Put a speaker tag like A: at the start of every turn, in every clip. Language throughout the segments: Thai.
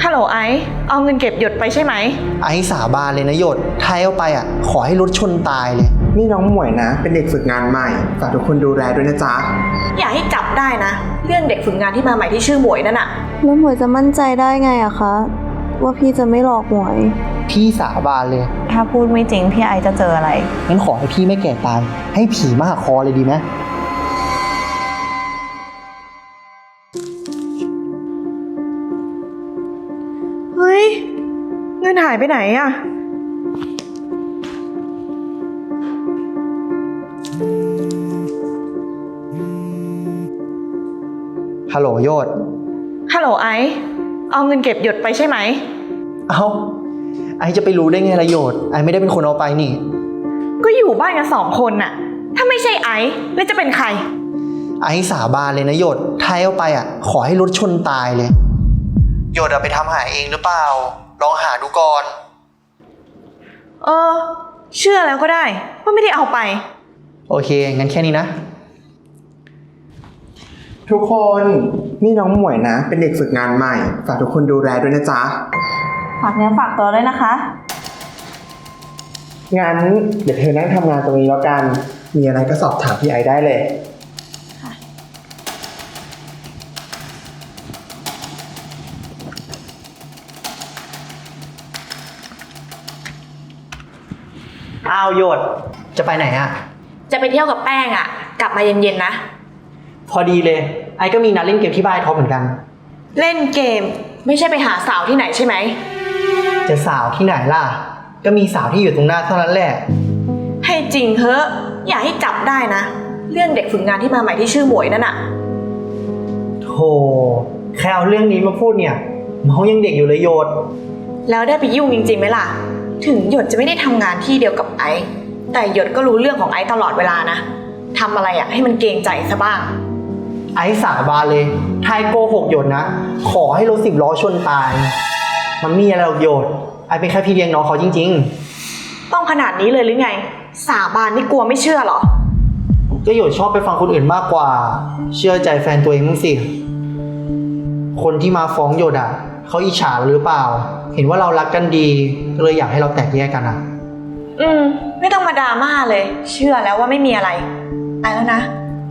A: ฮัลโหลไอซ์เอาเงินเก็บหยดไปใช่ไหม
B: ไอ้สาบานเลยนะหยดถ้าเอาไปขอให้รถชนตายเลย
C: นี่น้องหมวยนะเป็นเด็กฝึกงานใหม่ฝากทุกคนดูแลด้วยนะจ๊ะ
A: อย่าให้จับได้นะเรื่องเด็กฝึกงานที่มาใหม่ที่ชื่อหมวยนั่นน่ะ
D: แล้วหมวยจะมั่นใจได้ไงอะคะว่าพี่จะไม่หลอกหมวย
B: พี่สาบานเลย
E: ถ้าพูดไม่จริงพี่ไอจะเจออะไร
B: งั้นขอให้พี่ไม่แก่ตายให้ผีมาหักคอเลยดีไหม
A: เฮ้ยเงินหายไปไหนอะ
B: ฮัลโหลโยด
A: ฮัลโหลไอซ์เอาเงินเก็บหยดไปใช่ไหม
B: ไอจะไปรู้ได้ไงละโยดไอไม่ได้เป็นคนเอาไปนี่
A: ก็อยู่บ้านกัน2 คนน่ะถ้าไม่ใช่ไอซ์แล้วจะเป็นใคร
B: ไอสาบานเลยนะโยดถ้าเอาไปขอให้รถชนตายเลยโยดไปทำหาเองหรือเปล่าลองหาดูก่อน
A: เชื่อแล้วก็ได้ว่าไม่ได้เอาไป
B: โอเคงั้นแค่นี้นะ
C: ทุกคนนี่น้องหมวยนะเป็นเด็กฝึกงานใหม่ฝากทุกคนดูแลด้วยนะจ๊ะ
E: ฝากเนื้อฝากตัวด้วยนะคะ
C: งั้นเดี๋ยวเธอนั่งทำงานตรงนี้แล้วกันมีอะไรก็สอบถามพี่ไอได้เลย
B: อ้าวโยดจะไปไหน
A: จะไปเที่ยวกับแป้งกลับมาเย็นๆนะ
B: พอดีเลยไอก็มีนัดเล่นเกมที่บ้านท็อปเหมือนกัน
A: เล่นเกมไม่ใช่ไปหาสาวที่ไหนใช่ไหม
B: จะสาวที่ไหนล่ะก็มีสาวที่อยู่ตรงหน้าเท่านั้นแหละ
A: ให้จริงเถอะอย่าให้จับได้นะเรื่องเด็กฝึกงานที่มาใหม่ที่ชื่อหมวยนั่นน่ะ
B: โธ่แค่เอาเรื่องนี้มาพูดเนี่ยน้องยังเด็กอยู่เลยโยด
A: แล้วได้ไปยุ่งจริงๆไหมล่ะถึงหยดจะไม่ได้ทำงานที่เดียวกับไอซ์แต่หยดก็รู้เรื่องของไอซ์ตลอดเวลานะทำอะไรให้มันเกรงใจซะบ้าง
B: ไอซ์สาบานเลยทายโกหกหยดนะขอให้รถ10 ล้อชนตายมันมีอะไรหรอกหยดไอเป็นแค่พี่เลี้ยงน้องเขาจริง
A: ๆต้องขนาดนี้เลยหรือไงสาบานนี่กลัวไม่เชื่อหรอ
B: ก็หยดชอบไปฟังคนอื่นมากกว่าเชื่อใจแฟนตัวเองมั้งสิคนที่มาฟ้องหยดเขาอิจฉาหรือเปล่าเห็นว่าเรารักกันดีก็เลยอยากให้เราแตกแยกกัน
A: ไม่ต้องมาดราม่าเลยเชื่อแล้วว่าไม่มีอะไรไปแล้วนะ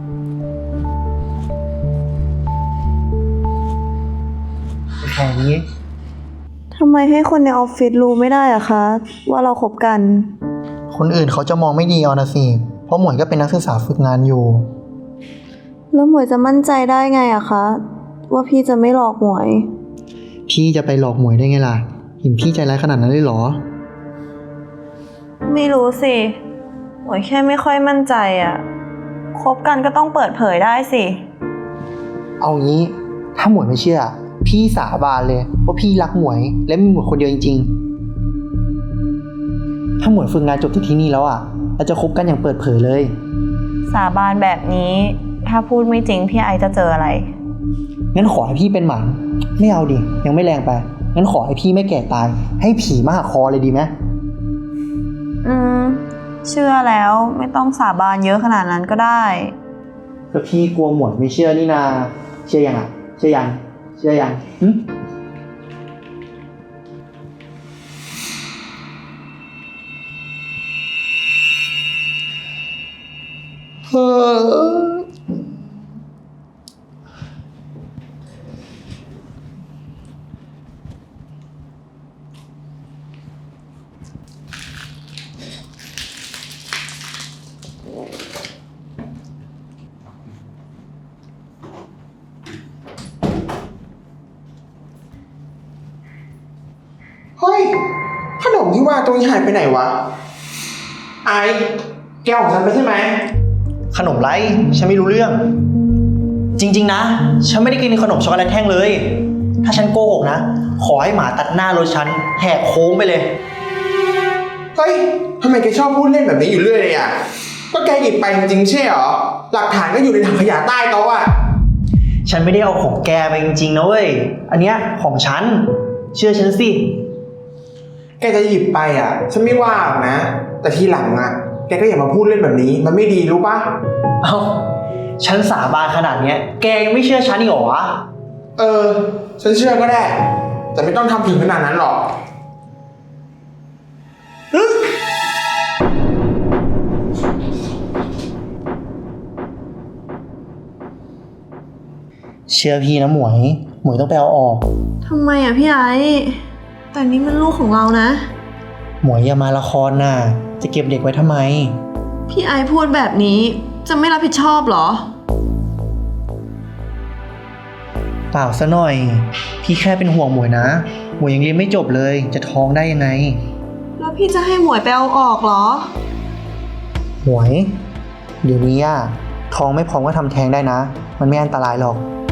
B: แค่นี้
D: ทำไมให้คนในออฟฟิศรู้ไม่ได้อะคะว่าเราคบกัน
B: คนอื่นเขาจะมองไม่ดีเอานะสิเพราะหมวยก็เป็นนักศึกษาฝึกงานอยู่
D: แล้วหมวยจะมั่นใจได้ไงอะคะว่าพี่จะไม่หลอกหมวย
B: พี่จะไปหลอกหมวยได้ไงล่ะเห็นพี่ใจร้ายขนาดนั้นเลยเหรอ
D: ไม่รู้สิหมวยแค่ไม่ค่อยมั่นใจคบกันก็ต้องเปิดเผยได้สิ
B: เอางี้ถ้าหมวยไม่เชื่อพี่สาบานเลยว่าพี่รักหมวยและมีหมวยคนเดียวจริงๆถ้าหมวยฝึกงานจบที่นี่แล้วเราจะคบกันอย่างเปิดเผยเลย
E: สาบานแบบนี้ถ้าพูดไม่จริงพี่ไอจะเจออะไร
B: งั้นขอให้พี่เป็นหมันไม่เอาดิยังไม่แรงไปงั้นขอให้พี่ไม่แก่ตายให้ผีมาหักคอเลยดีไหม
D: เชื่อแล้วไม่ต้องสาบานเยอะขนาดนั้นก็ได้
B: ก็พี่กลัวหมวยไม่เชื่อนี่นาเชื่อยังเชื่อยังเชื่อยัง
C: เฮ้ยขนมที่ว่าตรงนี้หายไปไหนวะไอแก้วของฉันไปใช่ไหม
B: ขนมไรฉันไม่รู้เรื่องจริงๆนะฉันไม่ได้กินขนมช็อกโกแลตแท่งเลยถ้าฉันโกหกนะขอให้หมาตัดหน้ารถฉันแหกโค้งไปเลย
C: เฮ้ยทำไมแกชอบพูดเล่นแบบนี้อยู่เรื่อยเลยก็แกหยิบไปจริงๆใช่เหรอหลักฐานก็อยู่ในถังขยะใต้โต๊ะ
B: ฉันไม่ได้เอาของแกไปจริงๆนะเว้ยอันเนี้ยของฉันเชื่อฉันสิ
C: แกจะหยิบไปฉันไม่ว่าหรอกนะแต่ทีหลังแกก็อย่ามาพูดเล่นแบบนี้มันไม่ดีรู้ปะ
B: ฉันสาบานขนาดเนี้ยแกยังไม่เชื่อฉันอีกเหรอวะ
C: ฉันเชื่อก็ได้แต่ไม่ต้องทำถึงขนาดนั้นหรอก
B: เชื่อพี่นะหมวย หมวยต้องไปเอาออก
D: ทำไมอ่ะพี่ไอซ์แต่นี่มันลูกของเรานะ
B: หมวยอย่ามาละครน่ะ จะเก็บเด็กไว้ทำไม
D: พี่ไอซ์พูดแบบนี้จะไม่รับผิดชอบเหรอ
B: เปล่าซะหน่อย พี่แค่เป็นห่วงหมวยนะ หมวยยังเรียนไม่จบเลย จะท้องได้ยังไง
D: แล้วพี่จะให้หมวยไปเอาออกเหรอ
B: หมวย เดี๋ยวนี้อะท้องไม่พร้อมก็ทำแท้งได้นะ มันไม่อันตรายหรอก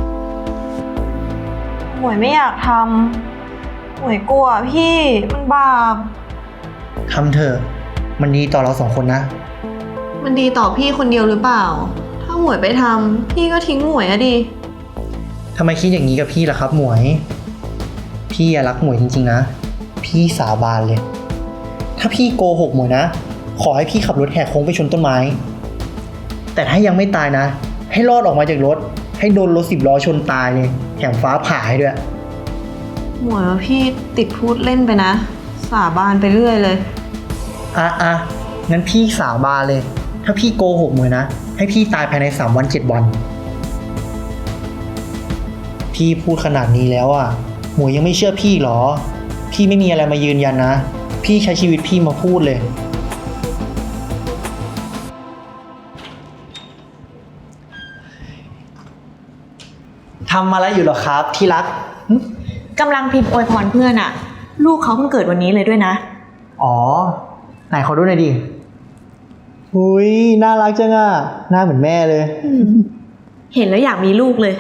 D: หมวยไม่อยากทำหมวยกลัวพี่มันบาป
B: ทำเถอะ มันดีต่อเราสองคนนะ
D: มันดีต่อพี่คนเดียวหรือเปล่า ถ้าหมวยไปทำพี่ก็ทิ้งหมวยอะดิ
B: ทำไมคิดอย่างนี้กับพี่ล่ะครับหมวย พี่รักหมวยจริงๆนะ พี่สาบานเลย ถ้าพี่โกหกหมวยนะ ขอให้พี่ขับรถแหกโค้งไปชนต้นไม้ แต่ถ้ายังไม่ตายนะ ให้รอดออกมาจากรถ ให้โดนรถ10 ล้อชนตายเลย แถมฟ้าผ่าให้ด้วย
D: หมวยว่าพี่ติดพูดเล่นไปนะ สาบานไปเรื่อยเลย
B: อ่ะงั้นพี่สาบานเลย ถ้าพี่โกหกหมวยนะ ให้พี่ตายภายใน3 วัน 7 วัน พี่พูดขนาดนี้แล้วอ่ะ หมวยยังไม่เชื่อพี่หรอ พี่ไม่มีอะไรมายืนยันนะ พี่ใช้ชีวิตพี่มาพูดเลย ทำอะไรอยู่หรอครับที่รัก
A: กำลังพิมพ์อวยพรเพื่อนอะลูกเขาเพิ่งเกิดวันนี้เลยด้วยนะ
B: อ๋อ ไหนขอดูหน่อยดิอุ้ยน่ารักจังอ่ะ หน้าเหมือนแม่เลย
A: เห็นแล้วอยากมีลูกเลย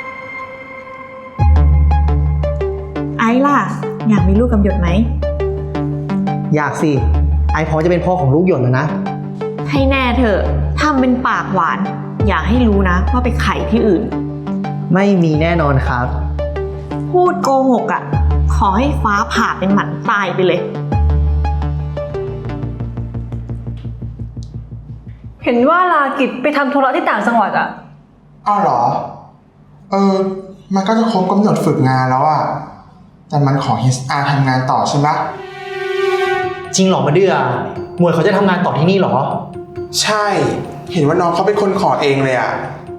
A: ไอ้ล่ะ อยากมีลูกกับหยดไหม
B: อยากสิ ไอพร้อมจะเป็นพ่อของลูกหยดแล้วนะ
A: ให้แน่เถอะทำเป็นปากหวาน อย่าให้รู้นะว่าไปไข่ที่อื่น
B: ไม่มีแน่นอนครับ
A: พูดโกหกอะขอให้ฟ้าผ่าเป็นหมันตายไปเลย
F: เห็นว่าลากิจไปทำธุระที่ต่างจังหวัดอะ
C: อ้าวเหรอ มันก็จะครบกำหนดฝึกงานแล้วอะแต่มันขอ HR ทำงานต่อใช่ไหม
B: จริงเหรอมาเดือหมวยเขาจะทำงานต่อที่นี่เหรอ
C: ใช่ เห็นว่าน้องเขาเป็นคนขอเองเลยอะ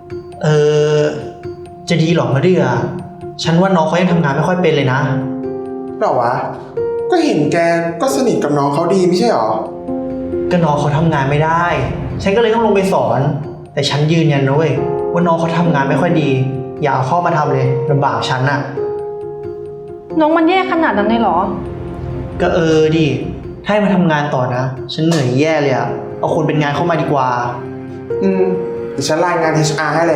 B: จะดีเหรอมาเดือฉันว่าน้องเขายังทำงานไม่ค่อยเป็นเลยนะ
C: หรอวะ ก็เห็นแกก็สนิทกับน้องเขาดีไม่ใช่หรอ
B: ก็น้องเขาทำงานไม่ได้ ฉันก็เลยต้องลงไปสอน แต่ฉันยืนยันนะเว้ยว่าน้องเขาทำงานไม่ค่อยดี อย่าเอาเข้ามาทำเลยลำบากฉันน่ะ
F: น้องมันแย่ขนาดนั้นเลยเหรอ
B: ก็ดิถ้าให้มาทำงานต่อนะ ฉันเหนื่อยแย่เลยอะเอาคนเป็นงานเข้ามาดีกว่า
C: เดี๋ยวฉันรายงาน HR ให้เลย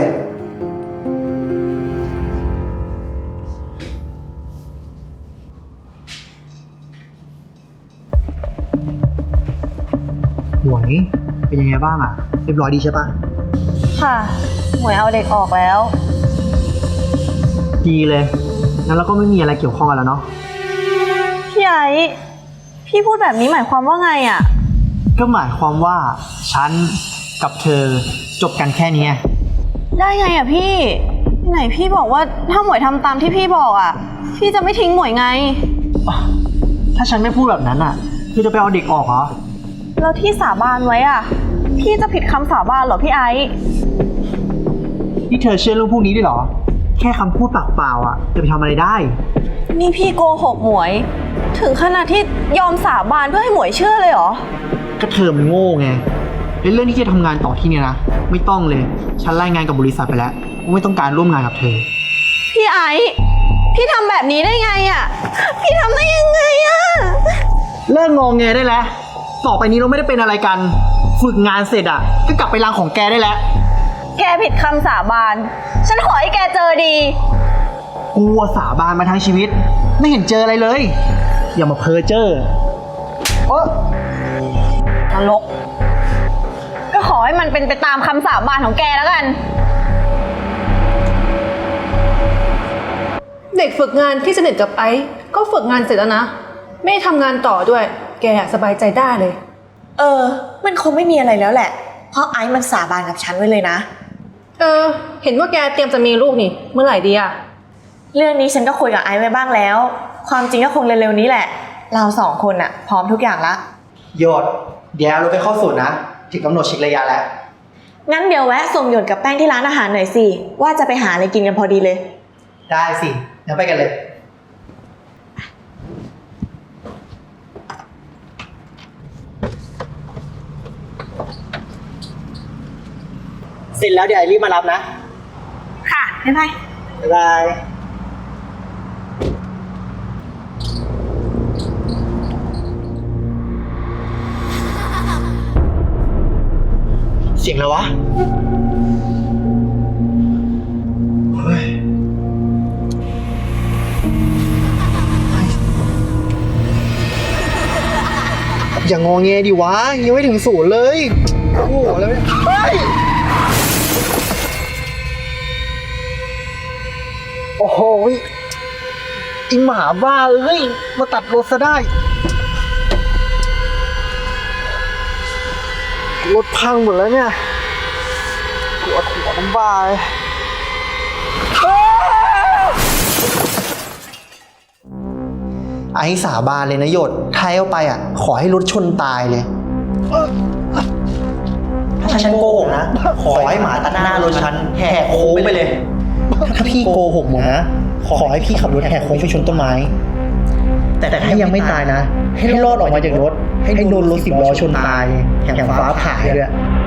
B: หมวยเป็นยังไงบ้างอะเรียบร้อยดีใช่ปะ
D: ค่ะ หมวยเอาเด็กออกแล้ว
B: ดีเลยงั้นเราก็ไม่มีอะไรเกี่ยวข้องกันแล้วเนาะ
D: พี่ไอซ์พี่พูดแบบนี้หมายความว่าไงอะ
B: ก็หมายความว่าฉันกับเธอจบกันแค่นี้
D: ได้ไงอะพี่ไหนพี่บอกว่าถ้าหมวยทำตามที่พี่บอกอะพี่จะไม่ทิ้งหมวยไง
B: ถ้าฉันไม่พูดแบบนั้นอะเธอจะไปเอาเด็กออกเหรอ
D: แล้วที่สาบานไว้อะพี่จะผิดคำสาบานเหรอพี่ไอซ์
B: นี่เธอเชื่อเรื่องพวกนี้ด้วยเหรอ แค่คำพูดปากเปล่าอะจะไปทำอะไรได้
D: นี่พี่โกหกหมวย ถึงขนาดที่ยอมสาบานเพื่อให้หมวยเชื่อเลยเหรอ
B: ก็เธอมันโง่ไงเรื่องที่จะทำงานต่อที่เนี่ยนะไม่ต้องเลยฉันรายงานกับบริษัทไปแล้วว่าไม่ต้องการร่วมงานกับเธอ
D: พี่ไอซ์พี่ทำแบบนี้ได้ไงอะพี่ทำได้ยังไงอะ
B: เลิกงงแงได้แล้วต่อไปนี้เราไม่ได้เป็นอะไรกัน ฝึกงานเสร็จอะก็กลับไปรังของแกได้แล้ว
D: แกผิดคำสาบานฉันขอให้แกเจอดี
B: กูสาบานมาทั้งชีวิต ไม่เห็นเจออะไรเลย อย่ามาเพ้อเจ้อ
D: นรกก็ขอให้มันเป็นไปตามคำสาบานของแกแล้วกัน
F: เด็กฝึกงานที่สนิทกับไอซ์ก็ฝึกงานเสร็จแล้วนะ ไม่ทำงานต่อด้วย แกสบายใจได้เลย
A: มันคงไม่มีอะไรแล้วแหละ เพราะไอ้มันสาบานกับฉันไว้เลยนะ
F: เห็นว่าแกเตรียมจะมีลูกนี่ เมื่อไหร่ดีอะ
A: เรื่องนี้ฉันก็คุยกับไอ้ไว้บ้างแล้วความจริงก็คงเร็วๆนี้แหละ เราสองคนอะพร้อมทุกอย่างละ
B: หยด เดี๋ยวรถไปเข้าศูนย์นะ ถึงกำหนดเช็คระยะแล้ว
A: งั้นเดี๋ยวแวะส่งหยดกับแป้งที่ร้านอาหารหน่อยสิ ว่าจะไปหาอะไรกินกันพอดีเลย
B: ได้สิงั้นไปกันเลย เสร็จแล้วเดี๋ยวไอรีบมารับนะ
A: ค่ะบ๊ายบาย
B: บ๊ายบาย เสียงอะไรวะ เฮ้ย อย่างงอแงดิวะ ยังไม่ถึงศูนย์เลย โอ้โหแล้วเนี่ยเฮ้ย โอ้โหไอหมาบ้าเอ้ย มาตัดรถซะได้ รถพังหมดแล้วเนี่ยปวดหัวน้ำบ้าเลยไอ้สาบานเลยนะหยดถ้าเอาไปอ่ะ ขอให้รถชนตายเลย ถ้าฉันโกหกนะ ขอให้หมาตัดหน้ารถฉันแหกโค้งไปเลย ถ้าพี่โกหกหมดนะ ขอให้พี่ขับรถแหกโค้งไปชนต้นไม้ แต่ถ้ายังไม่ตายนะ ให้รอดออกมาจากรถ ให้โดนรถ10 ล้อชนตายแถมฟ้าผ่าด้วย